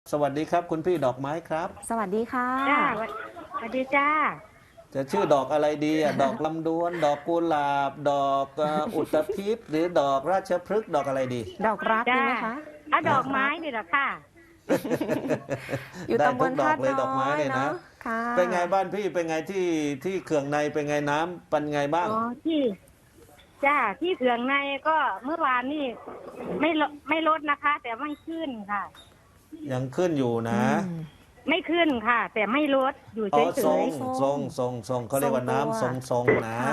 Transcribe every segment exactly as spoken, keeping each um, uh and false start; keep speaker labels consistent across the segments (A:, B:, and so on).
A: สวัสดีครับคุณพี่ดอกไม้ครับ
B: สวัสดีค่ะ
C: จ้าสวัสดีจ้า
A: จะชื่อดอกอะไรดีอ่ะดอกลำดวนดอกกุหลาบดอกเอ่ออุตภิษหรือดอกราชพฤกษ์ดอกอะไรดี
B: ดอกรักดี
C: จ้า
B: ไหมคะ
C: อ่ะดอกไม้นี่แหละค่ะ
B: อยู่
A: ได้
B: ตำบ
A: ทุ
B: ล
A: กดอ
B: ธาก ตุ
A: เลยด
B: น้
A: อกไม้
B: อย
A: เลยนะ
B: เนาะค่ะ
A: เป็นไงบ้านพี่เป็นไงที่ที่เขื่องในเป็นไงน้ำเป็นไงบ้าง
C: อ๋อที่จ้าที่เขื่องในก็เมื่อวานนี่ไม่ลดไม่ลดนะคะ แต่ไม่ขึ้นค่ะ
A: ยังขึ้นอยู่นะ
B: อืม
C: ไม่ขึ้นค่ะ แต่ไม่ลดอยู่
A: อ๋อ
C: เฉ
A: ทรง
C: ย
A: ทรงทรงทรงเขาเรียกว่าน้ำทรงทรงนะ
B: ค่ะ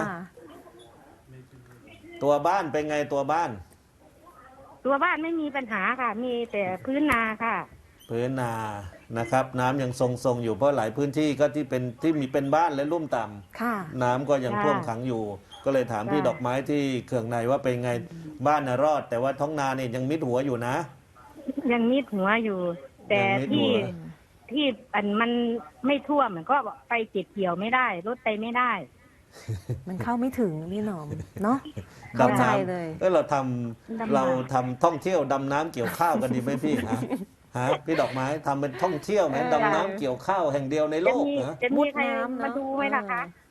A: ตัวบ้านเป็นไงตัวบ้าน
C: ๆตัวบ้านไม่มีปัญหาค่ะ มีแต่พื้นนาค่ะ
A: พื้นนานะครับ น้ำยังทรงทรงอยู่เพราะหลายพื้นที่ก็ที่เป็นที่มีเป็นบ้านและลุ่มต่ำ
B: ค่ะ
A: น้ำก็ยัง
C: จ้า
A: ท่วมขังอยู่ ก็เลยถามพี่
C: จ้า
A: ดอกไม้ที่เขื่องในว่าเป็นไงบ้านน่ะรอด แต่ว่าท้องนาเนี่ยยังมิดหัวอยู่นะ
C: ยังมิดหัวอยู่ แต่
A: ยังมิดหั
C: ที่
A: ว
C: ที่อันมันไม่ท่วมมันก็ไปเก็บเกี่ยวไม่ได้รถไปไม่ได้
B: มันเข้าไม่ถึงพี่หนอมเนาะ
A: ดำ
B: เข้าใจ
A: น้ำ
B: เลย
A: เออเราท
C: ดำ
A: ำ
C: น้ำ
A: เราทำท่องเที่ยวดำน้ำเกี่ยวข้าวกันดีไหมพี่ฮะฮะพี่ดอกไม้ทำเป็นท่องเที่ยวไหม
B: เออ
A: ดำน้ำเกี่ยวข้าวแห่งเดียวในโล
C: จะ
A: ก
C: มี
A: นะ
C: จะ
B: มุ
C: มี
B: ด
C: ใคร
B: น้ำเนอะ
C: มาดูไหมล่ะคะ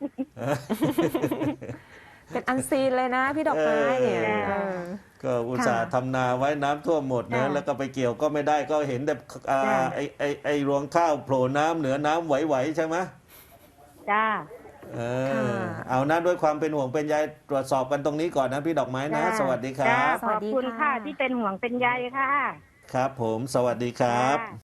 B: เป็นอันซีนเลยนะ พี่ดอกไม้เนี่ย
C: เออ
B: เออ
A: ก็อุตส่าห์
B: ค่ะ
A: ทำนาไว้น้ำท่วมหมดนะ
C: จ้ะ
A: แล้วก็ไปเกี่ยวก็ไม่ได้ก็เห็นแต่อ่า
C: จ้ะ
A: ไอไอไอรวงข้าวโผล่น้ำเหนือน้ำไหวๆใช่ไหม
C: จ้า
A: เออ
B: ค่ะ
A: เอานะด้วยความเป็นห่วงเป็นใยตรวจสอบกันตรงนี้ก่อนนะพี่ดอกไม้นะ
C: จ้ะ
A: สวัสดีค
C: จ้า
A: รับ
B: ส
C: ข
B: วั
C: อ
B: ส
C: บ
B: ดี
C: คุณ
B: ค่ะ
C: ค่ะที่เป็นห่วงเป็นใยค่ะ
A: ครับผมสวัสดีครับ
C: จ้า